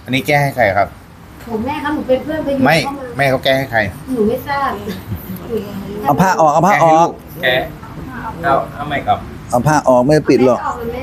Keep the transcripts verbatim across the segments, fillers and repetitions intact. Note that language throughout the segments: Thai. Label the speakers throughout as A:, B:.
A: อันนี้แก้ให้ใครครับ
B: ผมแม่ครับหนูเป็นเพื่อนไปอยู่
A: ไม่
B: เข้ามา
A: แม่เขาแก้ให้ใคร
B: หนูไม่ทราบ
C: เอาผ้าออกเอาผ้าออก
D: แกเอาเอาไม่ครับ
C: เอาผ้าออกไม่ปิดหรอก
B: แม่ออกเลยแม่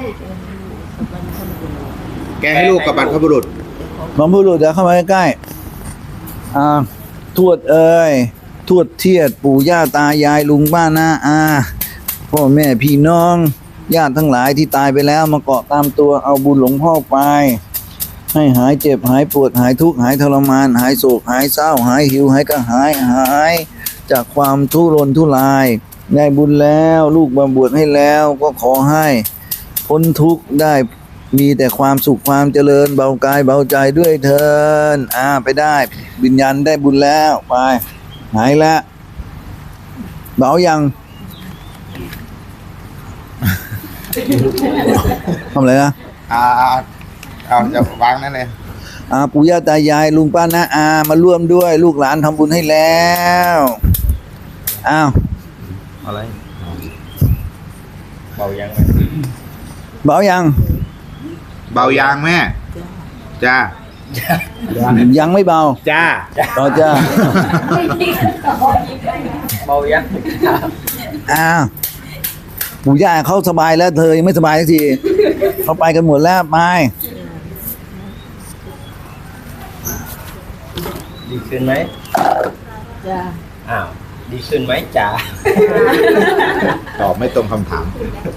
A: แก้ให้ลูกกับบรรพบุรุษ
C: บรรพบุรุษเดี๋ยวเข้ามาใกล้ๆอ่าทวดเอ้ยทวดเทียดปู่ย่าตายายลุงป้าน้าอาพ่อแม่พี่น้องญาติทั้งหลายที่ตายไปแล้วมาเกาะตามตัวเอาบุญหลวงพ่อไป ให้หายเจ็บหายปวดหายทุกข์หายทรมาน หายโศกหายเศร้าหายหิวหายกระหายหายจากความทุรนทุรายได้บุญแล้วลูกมาบวชให้แล้วก็ขอให้พ้นทุกข์ได้มีแต่ความสุขความเจริญเบากายเบาใจด้วยเถินอ่าไปได้วิญญาณได้บุญแล้วไปหายแล้วเบายัง ทำอะไรนะ
A: อ่าเอาจะวางนั่นเลย
C: อาปู่ย่าตายายลุงป้าน้าอามาร่วมด้วย ลูกหลานทำบุญให้แล้วอ้าว
D: อะไรเบายังไหม
C: เบายัง
A: เบายางแม่ จ้า
C: ยังไม่เบา
A: จ้า
C: ต่อจ้า
D: เบายัง
C: อ้าวปู่ย่าเขาสบายแล้วเธอยังไม่สบายสักทีเขาไปกันหมดแล้วไป
D: ดีขึ้นไหม
B: จ้า
D: อ้าวดีขึ้นไหมจ๋า
A: ตอบไม่ตรงคำถาม